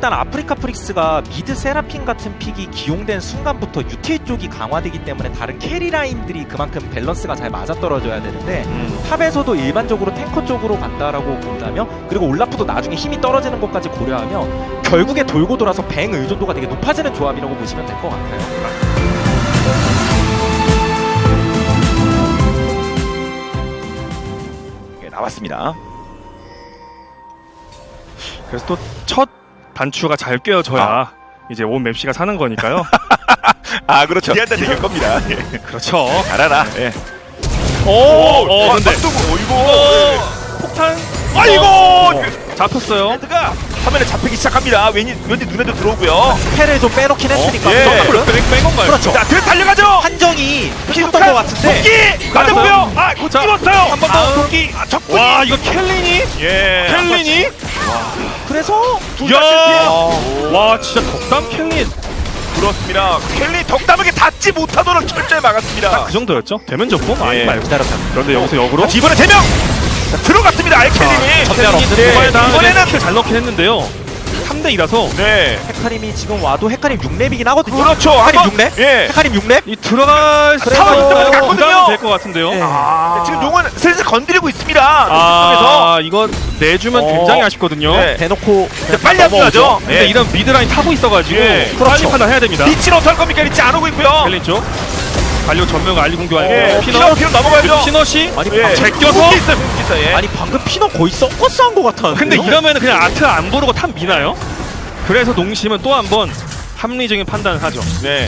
일단 아프리카 프릭스가 미드 세라핀 같은 픽이 기용된 순간부터 유틸 쪽이 강화되기 때문에 다른 캐리 라인들이 그만큼 밸런스가 잘 맞아떨어져야 되는데 탑에서도 일반적으로 탱커 쪽으로 간다라고 본다면, 그리고 올라프도 나중에 힘이 떨어지는 것까지 고려하면 결국에 돌고 돌아서 뱅 의존도가 되게 높아지는 조합이라고 보시면 될 것 같아요. 나왔습니다. 그래서 또 첫 단추가 잘 꿰어져야 이제 온 맵시가 사는 거니까요. 아 그렇죠. 기한다 될 겁니다. 예. 그렇죠. 알아라. 예. 근데 이거 폭탄. 아이고 잡혔어요. 헤드가 화면에 잡히기 시작합니다. 왠지 눈에도 들어오고요. 스펠을 좀 빼놓긴 했으니까. 뺀 건가요? 그렇죠. 자, 달려가죠. 한정이 피했던 것 같은데. 도끼 맞아보요. 아, 곧 찍었어요. 한 번 더 도끼. 적군이. 와, 이거 켈린이? 예. 켈린이? 그래서 둘다 실패. 와, 진짜 덕담 켈린. 그렇습니다. 켈리 덕담에게 닿지 못하도록 철저히 막았습니다. 그 정도였죠? 되면 좋고 아니 예. 말고. 기다렸다. 그런데 여기서 역으로 이번에 3명 들어갔습니다. 아예 켈린이. 전멸 없는데. 이번에는 킬 잘 넣긴 했는데요. 3대2라서 네. 헤카림이 지금 와도 헤카림 6렙이긴 하거든요. 그렇죠. 헤카림 한번- 6렙? 예. 헤카림 6렙? 이 들어갈 상황이 있다고 갔거든요. 될것 같은데요. 예. 아, 지금 용은 슬슬 건드리고 있습니다. 아, 이거 내주면 굉장히 아쉽거든요. 네. 대놓고 이제 빨리 합류하죠. 근데 예. 이런 미드라인 타고 있어가지고 예. 빨리 그렇죠. 판단해야 됩니다. 리치는 어떨 겁니까? 리치 안 오고 있고요. 켈린 쪽 갈려 전멸과 알리 공격 예. 아니고 피너 피너 넘어가야죠. 피너시 아니 예. 제껴서? 궁기 있어요. 궁기 있어요. 예. 아니 방금 피너 거의 썩거스 한것 같았는데. 근데 이러면 그냥 아트 안 부르고 탑 미나요? 그래서 농심은 또 한 번 합리적인 판단을 하죠. 네.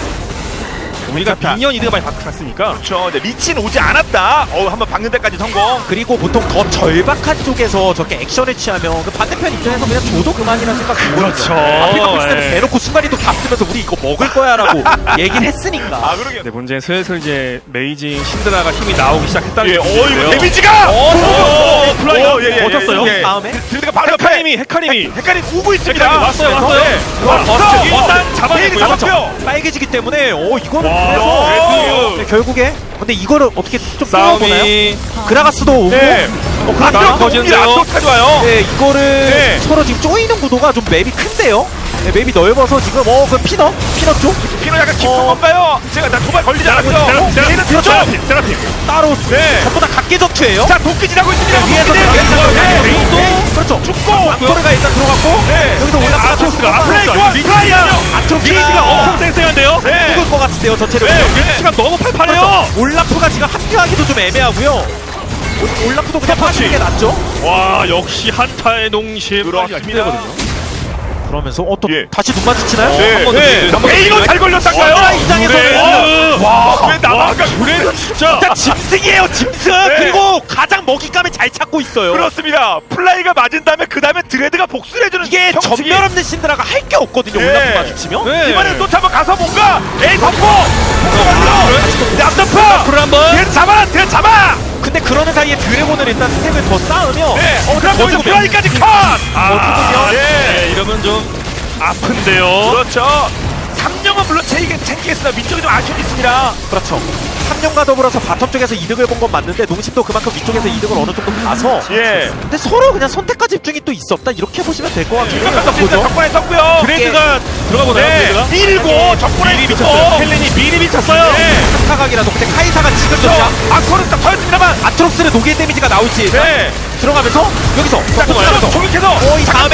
우리가 괜찮다. 미니언 이득을 많이 봤으니까. 그렇죠. 네, 리치는 오지 않았다. 한번 박는 데까지 성공. 그리고 보통 더 절박한 쪽에서 저렇게 액션을 취하면 그 반대편 입장에서 그냥 줘도 그만이라는 생각 들거든요. 그렇죠. 아프리카 프릭스는 예. 대놓고 순간이도 다 쓰면서 우리 이거 먹을 거야라고 얘기를 했으니까. 아, 그러게. 근데 문제는 슬슬 이제 메이징 신드라가 힘이 나오기 시작했다는 예. 게 이거 문제인데요. 데미지가. 플라이가 버텼어요. 예. 다음에 들드가 바로 옆에. 헤카림이 헷갈림 오고 있습니다. 헤카림 왔어요. 왔어. 일단 잡아내고요. 잡았고요. 빨개지기 때문에 이거는 와, 그래서 그래도 네, 결국에 근데 이거를 어떻게 좀 끌어보나요? 싸움이 그라가스도 오고 네. 그러니까 앞쪽 터지는데요. 앞쪽 가져와요. 네, 이거를 네. 서로 지금 쪼이는 구도가 좀 맵이 큰데요? 네, 맵이 넓어서 지금 그 피너 쪽? 피노 약간 깊은 건가요? 제가 나 도발 걸리지 않았죠? 얘는 그렇죠. 뒤쪽. 세라핌. 따로 네. 전부 다 각계 전투예요? 자, 도끼 지나고 있습니다. 위에서 도끼들. 그렇죠. 죽고. 악토르가 일단 들어갔고 네. 여기서 올라가 아트록스가 플라이어. 미치가 엄청 쌩쌩한데요. 네. 죽을 것 같은데요, 전체를. 미치가 너무 팔팔해요. 그렇죠. 올라프가 지금 합류하기도 좀 애매하고요. 올라프도 그냥 빠지는 게 낫죠? 와, 역시 한타의 농심. 그렇습니다. 그러면서 또 예. 다시 눈 마주치나요? 네. 한번 더 네. 한번 더 에이로 잘 걸렸다가요. 이장에서는 와, 왜 나와가 그래도 진짜 진짜 짐승이에요, 짐승. 네. 그리고 가장 먹잇감을 잘 찾고 있어요. 그렇습니다. 플라이가 맞은 다음에 그 다음에 드레드가 복수를 해주는 이게 형식이. 전멸 없는 신드라가 할 게 없거든요. 네. 올라프 마주치면. 네. 이번에 또 한번 가서 뭔가 에이 덮고 네, 앞덮어 불 한번. 뒤에 잡아 근데 그러는 사이에 드래곤을 일단 스택을 더 쌓으면 네 그럼 더 여기서 주면 플라이까지 컷 아, 예. 네, 이러면 좀 아픈데요. 그렇죠 3령은 물론 챙기겠으나 민쪽이 좀 아쉬움이 있습니다. 그렇죠. 3년과 더불어서 바텀 쪽에서 이득을 본 건 맞는데 농심도 그만큼 위쪽에서 이득을 어느 정도 봐서 예 근데 서로 그냥 선택과 집중이 또 있었다 이렇게 보시면 될 것 같긴 해요. 이것도 보죠 적군에 썼고요 드레이드가 들어가 보나요? 네 드레이드가? 밀고 적군에 미리 쓰고. 미쳤어요. 헬렌이 미리 미쳤어요. 네 한타각이라도 근데 카이사가 지금 그렇죠 졌냐? 아코는 딱 터졌습니다만 아트록스는 녹일 데미지가 나올지 네 들어가면서 여기서 자 조격해서 이 다음에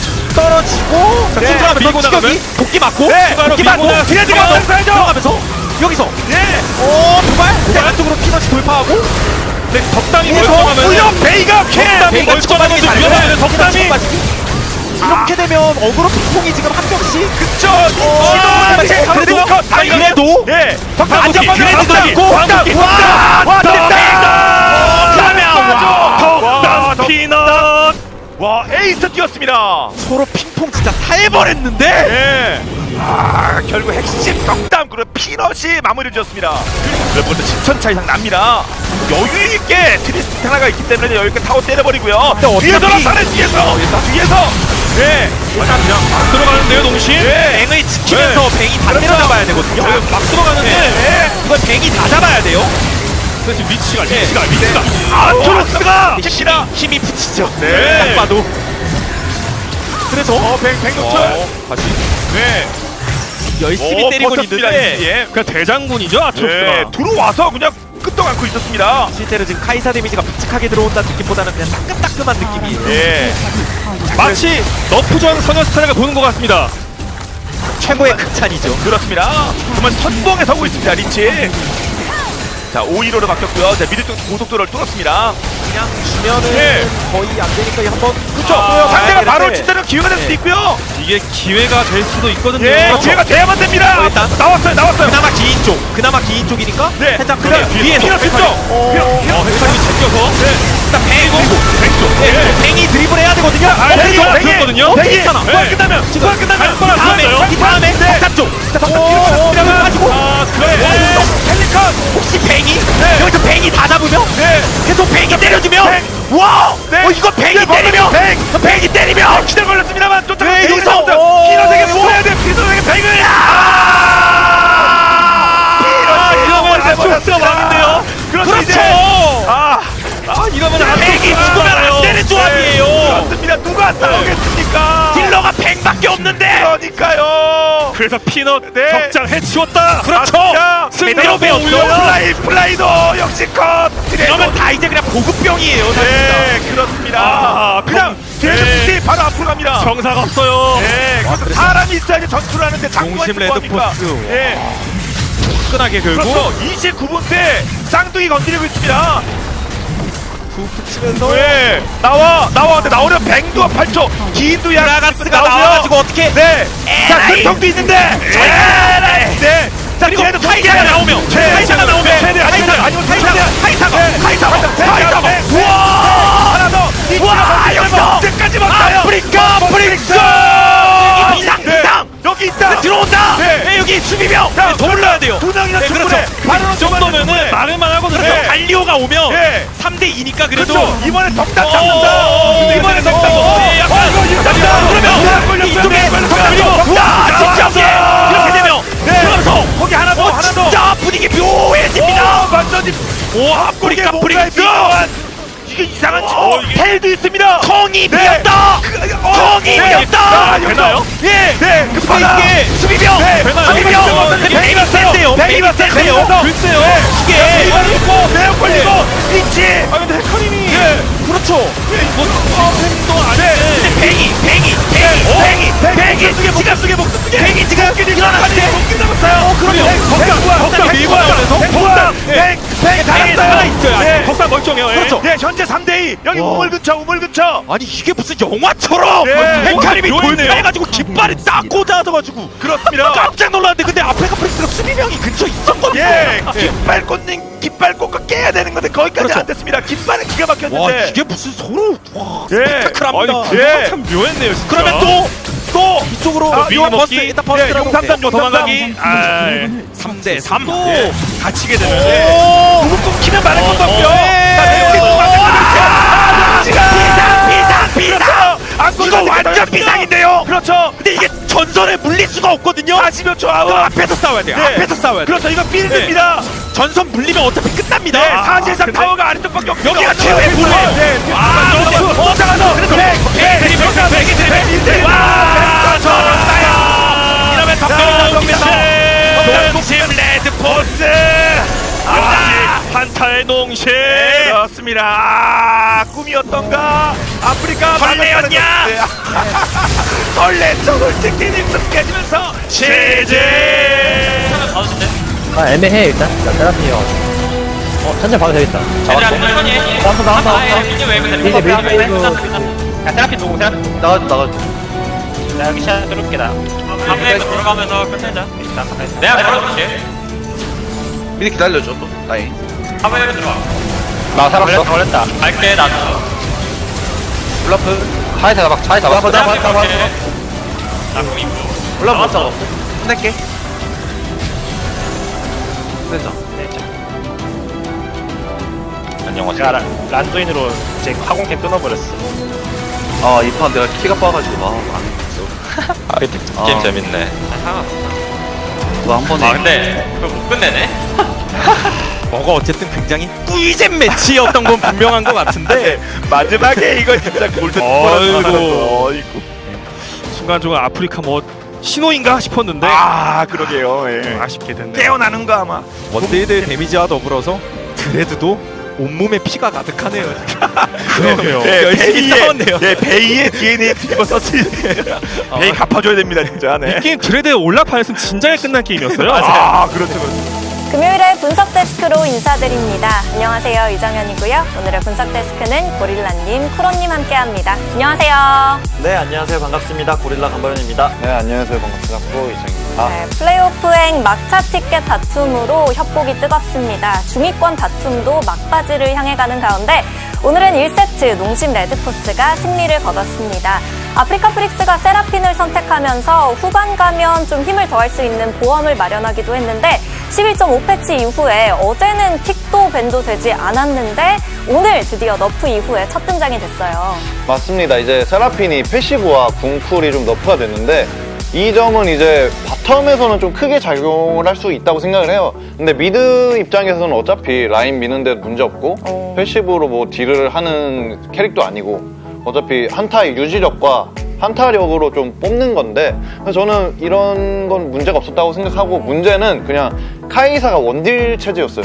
떨어지고 네, 들어가면서 밀고 추격이 나가면? 도끼 맞고 네, 도끼 밀고 맞고 나가서 드레드가 들어가면서 넘어가야죠. 들어가면서 여기서 네 도발 네, 안쪽으로 피너치 돌파하고 네, 덕담이 그래서 멀쩡하면 우여 베이가 캔 베이가 멀쩡하면 초반에 좀 위험해요. 잘해요. 덕담이. 빠지기. 이렇게 되면 어그로 핑퐁이 지금 한 명씩 그쵸 그래도 네 덕담 안전빵 그래도 있고 와 덕담 피넛. 와 에이스 뛰었습니다. 서로 핑퐁 진짜 살벌했는데 네. 아 결국 핵심 덕담 그리고 피넛이 마무리를 지었습니다. 몇 번도 10천 이상 납니다. 여유 있게 트리스트 하나가 있기 때문에 여유 있게 타고 때려버리고요. 근데 뒤에 어차피- 돌아서는 뒤에서 네 그냥 막 들어가는데요, 농심. 네. 뱅을 지키면서 뱅이 다 그렇죠. 때려잡아야 되거든요. 막 들어가는데. 네. 이건 뱅이 다 잡아야 돼요. 그래서 위치가 아토록스가 힘이 붙이죠. 네. 딱 봐도. 그래서 백dok철. 다시 네. 열심히 때리고 버텼습니다, 있는데 예. 그냥 대장군이죠 아트록스가. 네. 들어와서 그냥 끄떡 않고 있었습니다. 실제로 지금 카이사 데미지가 묵직하게 들어온다는 느낌보다는 그냥 따끔따끔한 느낌이에요. 예. 마치 너프전 소녀 스타일을 보는 것 같습니다. 최고의 극찬이죠. 그렇습니다. 정말 선봉에 서고 있습니다, 리치. 자, 5-1호로 바뀌었고요. 자, 미드 쪽 고속도로를 뚫었습니다. 그냥 주면은 예. 거의 안 되니까 한번 그렇죠. 아, 상대가 바로 되는데. 진짜로 기회가 될 수도 네. 있고요. 이게 기회가 될 수도 있거든요. 예, 기회가 돼야만 됩니다. 일단 나왔어요. 그나마 긴 쪽이니까 네. 살짝 그다음 크게 위에서 위에서 뒤쪽. 헷갈림이 제껴서 일단 뱅이고 왼쪽. 네. 뱅이 드리블 해야 되거든요. 그렇거든요. 괜찮아. 끝나면 이 네. 다음에 덕산 쪽. 자, 덕산 뒤로 가면 가지고 펠리컨. 혹시 뱅이 네. 여기서 뱅이 다 잡으면 네. 계속 뱅이 때려주면 와! 네. 이거 뱅이 네, 때리면 뱅이 때리면 기대 걸렸습니다만 쫓아가. 네, 뱅이 여기서. 나온다. 피노에게 모아야 돼. 피노에게 뱅을. 이러면 아트록스가 망인데요. 그렇죠. 이제. 이러면 뱅이 죽으면 안 되는 조합이에요. 그렇습니다. 누가 싸우겠습니까? 딜러가 뱅밖에 없는데 그러니까요. 그래서 피넛 네. 적장 해치웠다. 그렇죠. 승리로 배웠죠. 플라이도 역시 컷. 이러면 다 이제 그냥 보급병이에요. 네, 그렇습니다. 그냥 뒤에서 네. 푸시 바로 앞으로 갑니다. 정사가 없어요. 네, 그래서 사람이 있어야지 전투를 하는데 장구가 동심 있을 거 아닙니까? 레드포스. 네, 끈하게 긁고 그렇죠. 29분 때 쌍둥이 건드리고 있습니다. 훅 치면서 네, 나와. 근데 나오려면 뱅두와 8초. 기인도 양. 브라가스가 나와가지고 어떻게 네. 자, 에라이. 근통도 있는데. 네. 자, 그리고 뒤에도 카이사가 나오면 카이사가 나오면 카이사가 우와! 하나 더. 우와, 여기서. 언제까지 막나요? 아프리카 브릭스 비상 여기 있다. 들어온다. 네. 여기 수비병 자, 더 올라야 돼요. 두 명이나 네, 충분해. 그렇죠. 바로 이 정도면은 말을만 하거든요. 네. 갈리오가 오면 네. 3대2니까 그래도 그렇죠. 이번에 덕담 어, 잡는다. 이번에 덕담. 네, 약간 그러면 이쪽에 그리고 와 이렇게 되면 그러면서 거기 하나 더. 진짜 분위기 묘해집니다. 완전히 오 아프리카 브릭스 이게 이상한 이게- 텔도 있습니다. 텅이 네. 비었다. 텅이 비었다. 되나요? 예. 네. 급하다. 이게 수비병 되나요? 수비병 베이비 센데요. 베이비 센데요. 글쎄요. 이게 걸리고 매우 걸리고 위치. 아 근데 헤카림이 그렇죠. 팬도 아닌데. 뱅이 목숨 쓰게 목숨 쓰게. 뱅이 지금 일어났는데 목숨 잡았어요. 그러면 덕담 밀고 나가면서 뱅 하나 달았어요. 있어요. 네. 덕담 멀쩡해요. 그렇죠. 네, 현재 3대2. 여기 우물 근처. 아니 이게 무슨 영화처럼 네. 헤카림이 묘했네요. 돌파해가지고 깃발이 딱 꽂아져가지고 그렇습니다. 깜짝 놀랐는데 근데 아프리카 프리스가 수비병이 근처 있었거든요. 예, 깃발 꽂고 깨야 되는 건데 거기까지 그렇죠. 안 됐습니다. 깃발은 기가 와 막혔는데. 이게 무슨 서로 와 예. 스펙타클합니다. 아니 예. 참 묘했네요. 진짜. 그러면 또 이쪽으로 아, 용암 버스 먹기. 일단 버스 예, 들어가고 용삼단 도망가기. 3대3 또 다치게 되면 오 누구 끊기면 많은 것도 없고요. 예. 자, 내용이 비상 이거 완전 비상인데요. 그렇죠. 근데 이게 전선에 물릴 수가 없거든요. 40여 초 아웃. 그럼 앞에서 싸워야 돼요. 네. 앞에서 싸워야 돼요. 그렇죠. 이거 필드입니다. 전선 물리면 어차피 끝납니다. 네, 사실상 근데- 타워가 아래쪽밖에 없어요. 여기가 최후의 불이에요. 네. 쫓아가서 그래서 와 저런다요. 이러면 덕분에 나옵니다. 동심 레드 포스. 한타의 농심. 그렇습니다. 아, 꿈이었던가? 아프리카 설레였냐? 설레죠. 솔직히 입술 깨지면서 제제. 아 애매해 일단 세라피요 천천히 봐도 되겠다 나왔어 야 테라피 누구 테라피 나가줘 나 여기 샷 들어올게 나 밤에 들어가면서 끝내자 내가 걸어줄게 미리 기다려줘 또 나이 밤에 들어와 나 살았어 걸렸다 갈게 나도 블러프 차에 잡아 차에 잡아 나 구입 블러프 못 잡아 끝낼게 끝내자 제가 란두인으로 제 화공캡 끊어버렸어 아 이 판 내가 키가 빠가지고 안 했어 게임 재밌네 그거 한 번에 근데 그거 못 끝내네 뭐가 어쨌든 굉장히 꿀잼 매치였던 건 분명한 것 같은데 마지막에 이거 진짜 골든 어이구. 어이구. 순간적으로 아프리카 뭐 신호인가 싶었는데 그러게요. 예. 아쉽게 됐네요. 깨어나는 거 아마. 원딜들 데미지와 더불어서 드레드도 온몸에 피가 가득하네요. 그러게요. 열심히 싸웠네요. 예, 베이의 DNA 뒤집어 썼으니 베이 갚아줘야 됩니다, 진짜. 네. 이 게임 드레드의 올라판에서는 진작에 끝난 게임이었어요. 그렇죠. 금요일에 분석 데스크로 인사드립니다. 안녕하세요, 이정현이고요. 오늘의 분석 데스크는 고릴라님, 쿠로님 함께합니다. 안녕하세요. 네, 안녕하세요. 반갑습니다. 고릴라 강바현입니다. 네, 안녕하세요. 반갑습니다. 프로 이정입니다. 네, 플레이오프행 막차 티켓 다툼으로 협곡이 뜨겁습니다. 중위권 다툼도 막바지를 향해 가는 가운데 오늘은 1세트 농심 레드포스가 승리를 거뒀습니다. 아프리카 프릭스가 세라핀을 선택하면서 후반 가면 좀 힘을 더할 수 있는 보험을 마련하기도 했는데 11.5패치 이후에 어제는 킥도 밴도 되지 않았는데 오늘 드디어 너프 이후에 첫 등장이 됐어요. 맞습니다. 이제 세라핀이 패시브와 궁쿨이 좀 너프가 됐는데 이 점은 이제 바텀에서는 좀 크게 작용을 할 수 있다고 생각을 해요. 근데 미드 입장에서는 어차피 라인 미는 데도 문제 없고 패시브로 뭐 딜을 하는 캐릭도 아니고 어차피 한타의 유지력과 한타력으로 좀 뽑는 건데 그래서 저는 이런 건 문제가 없었다고 생각하고 문제는 그냥 카이사가 원딜 체제였어요.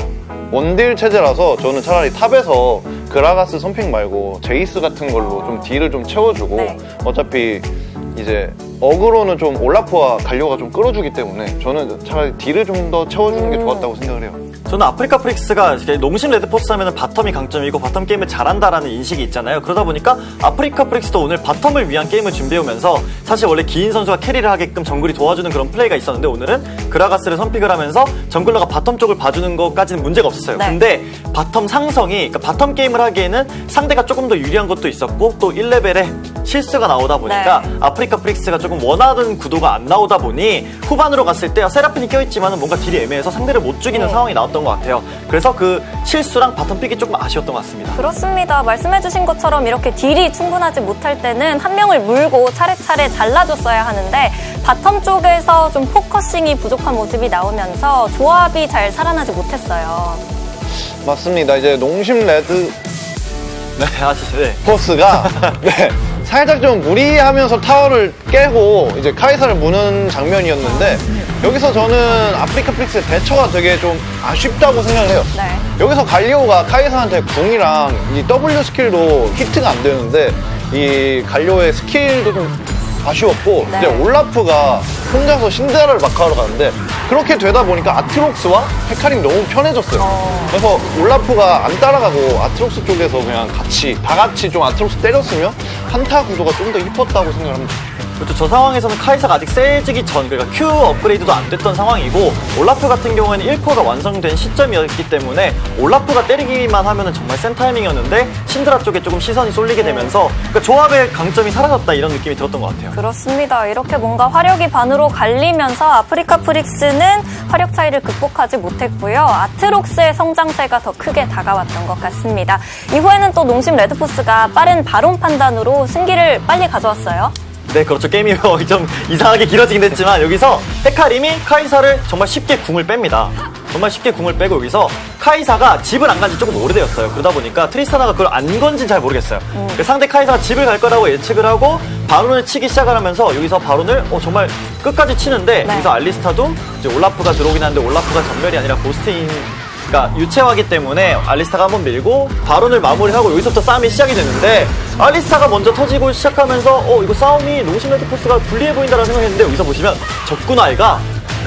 원딜 체제라서 저는 차라리 탑에서 그라가스 선픽 말고 제이스 같은 걸로 좀 딜을 좀 채워주고 네. 어차피 이제 어그로는 좀 올라프와 갈료가 좀 끌어주기 때문에 저는 차라리 딜을 좀 더 채워주는 게 좋았다고 생각을 해요. 저는 아프리카 프릭스가 농심 레드포스 하면 바텀이 강점이고 바텀 게임을 잘한다라는 인식이 있잖아요. 그러다 보니까 아프리카 프릭스도 오늘 바텀을 위한 게임을 준비해오면서 사실 원래 기인 선수가 캐리를 하게끔 정글이 도와주는 그런 플레이가 있었는데 오늘은 그라가스를 선픽을 하면서 정글러가 바텀 쪽을 봐주는 것까지는 문제가 없었어요. 네. 근데 바텀 상성이 그러니까 바텀 게임을 하기에는 상대가 조금 더 유리한 것도 있었고 또 1레벨에 실수가 나오다 보니까 네. 아프리카 프릭스가 조금 원하던 구도가 안 나오다 보니 후반으로 갔을 때 세라핀이 껴있지만 뭔가 딜이 애매해서 상대를 못 죽이는 상황이 나왔던 것 같아요. 그래서 그 실수랑 바텀 픽이 조금 아쉬웠던 것 같습니다. 그렇습니다. 말씀해주신 것처럼 이렇게 딜이 충분하지 못할 때는 한 명을 물고 차례차례 잘라줬어야 하는데 바텀 쪽에서 좀 포커싱이 부족한 모습이 나오면서 조합이 잘 살아나지 못했어요. 맞습니다. 이제 농심 레드 네, 아시죠? 네. 포스가 네, 살짝 좀 무리하면서 타워를 깨고 이제 카이사를 무는 장면이었는데 여기서 저는 아프리카 프릭스의 대처가 되게 좀 아쉽다고 생각을 해요. 네. 여기서 갈리오가 카이사한테 궁이랑 이 W 스킬도 히트가 안 되는데 이 갈리오의 스킬도 좀 아쉬웠고 네. 이제 올라프가 혼자서 신데렐라를 마크하러 가는데 그렇게 되다 보니까 아트록스와 헤카림이 너무 편해졌어요. 그래서 올라프가 안 따라가고 아트록스 쪽에서 그냥 다 같이 좀 아트록스 때렸으면 한타 구도가 좀 더 이뻤다고 생각합니다. 그렇죠. 저 상황에서는 카이사가 아직 세지기 전, 그러니까 Q 업그레이드도 안 됐던 상황이고 올라프 같은 경우에는 1코어가 완성된 시점이었기 때문에 올라프가 때리기만 하면은 정말 센 타이밍이었는데 신드라 쪽에 조금 시선이 쏠리게 되면서 그러니까 조합의 강점이 사라졌다 이런 느낌이 들었던 것 같아요. 그렇습니다. 이렇게 뭔가 화력이 반으로 갈리면서 아프리카 프릭스는 화력 차이를 극복하지 못했고요. 아트록스의 성장세가 더 크게 다가왔던 것 같습니다. 이후에는 또 농심 레드포스가 빠른 바론 판단으로 승기를 빨리 가져왔어요. 네, 그렇죠. 게임이 좀 이상하게 길어지긴 했지만 여기서 헤카림이 카이사를 정말 쉽게 궁을 뺍니다. 정말 쉽게 궁을 빼고 여기서 카이사가 집을 안 간 지 조금 오래되었어요. 그러다 보니까 트리스타나가 그걸 안 건진 잘 모르겠어요. 상대 카이사가 집을 갈 거라고 예측을 하고 바론을 치기 시작을 하면서 여기서 바론을 정말 끝까지 치는데 네. 여기서 알리스타도 이제 올라프가 들어오긴 하는데 올라프가 전멸이 아니라 고스트인 그러니까 유채화기 때문에 알리스타가 한번 밀고 바론을 마무리하고 여기서부터 싸움이 시작이 되는데 알리스타가 먼저 터지고 시작하면서 이거 싸움이 농심 레드포스가 불리해 보인다라는 생각했는데 여기서 보시면 적군아이가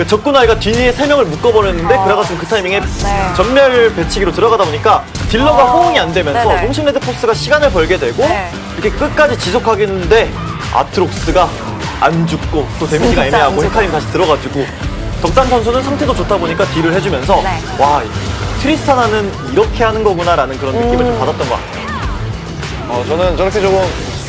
뒤에 3명을 묶어버렸는데 그라가스는 그 타이밍에 네. 전멸 배치기로 들어가다 보니까 딜러가 호응이 안 되면서 네네. 농심 레드포스가 시간을 벌게 되고 네. 이렇게 끝까지 지속하겠는데 아트록스가 안 죽고 또 데미지가 진짜 애매하고 안 죽어. 헤카림 다시 들어가지고 덕단 선수는 상태도 좋다 보니까 딜을 해주면서 네. 와 트리스타나는 이렇게 하는 거구나라는 그런 느낌을 좀 받았던 것 같아요. 저는 저렇게 조금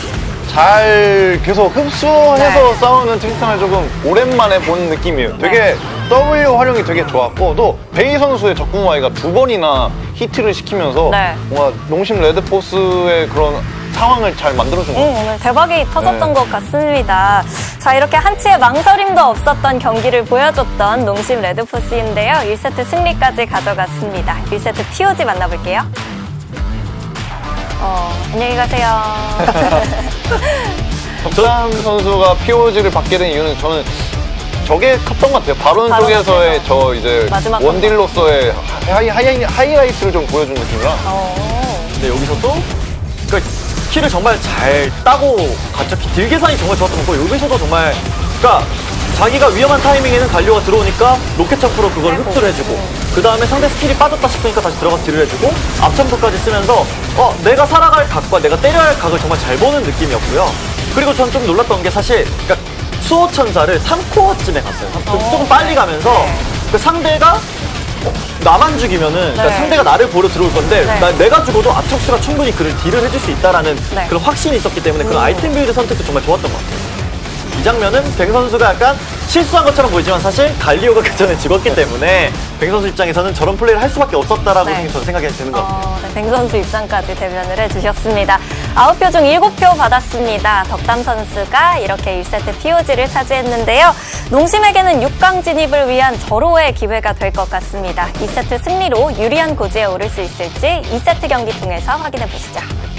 잘 계속 흡수해서 네. 싸우는 트리스탄을 조금 오랜만에 본 느낌이에요. 되게 W 활용이 되게 좋았고 또 베이 선수의 적궁와이가 2번이나 히트를 시키면서 네. 뭔가 농심 레드포스의 그런 상황을 잘 만들어준 것 같아요. 오늘 대박이 터졌던 네. 것 같습니다. 자, 이렇게 한치의 망설임도 없었던 경기를 보여줬던 농심 레드포스인데요. 1세트 승리까지 가져갔습니다. 1세트 POG 만나볼게요. 안녕히 가세요. 덕담 선수가 POG를 받게 된 이유는 저는 저게 컸던 것 같아요. 바론 바론 쪽에서의 쪽에서. 저 이제 마지막 원딜로서의 하이라이트를 좀 보여준 느낌이라. 근데 여기서도 그러니까 키를 정말 잘 따고 갔죠. 딜 계산이 정말 좋았던 거고 여기서도 정말 그러니까 자기가 위험한 타이밍에는 갈리오가 들어오니까 로켓 점프로 그걸 흡수를 해주고 그 다음에 상대 스킬이 빠졌다 싶으니까 다시 들어가서 딜을 해주고 앞점프까지 쓰면서 내가 살아갈 각과 내가 때려야 할 각을 정말 잘 보는 느낌이었고요. 그리고 전 좀 놀랐던 게 사실 그러니까 수호천사를 3코어쯤에 갔어요. 조금 빨리 가면서 그 상대가 나만 죽이면은 그러니까 네. 상대가 나를 보러 들어올 건데 네. 내가 죽어도 아트록스가 충분히 그를 딜을 해줄 수 있다라는 네. 그런 확신이 있었기 때문에 그런 아이템 빌드 선택도 정말 좋았던 것 같아요. 이 장면은 뱅 선수가 약간 실수한 것처럼 보이지만 사실 갈리오가 그 전에 죽었기 때문에 뱅 선수 입장에서는 저런 플레이를 할 수밖에 없었다라고 네. 저는 생각이 드는 것 같아요. 네, 뱅 선수 입장까지 대변을 해주셨습니다. 9표 중 7표 받았습니다. 덕담 선수가 이렇게 1세트 POG를 차지했는데요. 농심에게는 6강 진입을 위한 절호의 기회가 될 것 같습니다. 2세트 승리로 유리한 고지에 오를 수 있을지 2세트 경기 통해서 확인해 보시죠.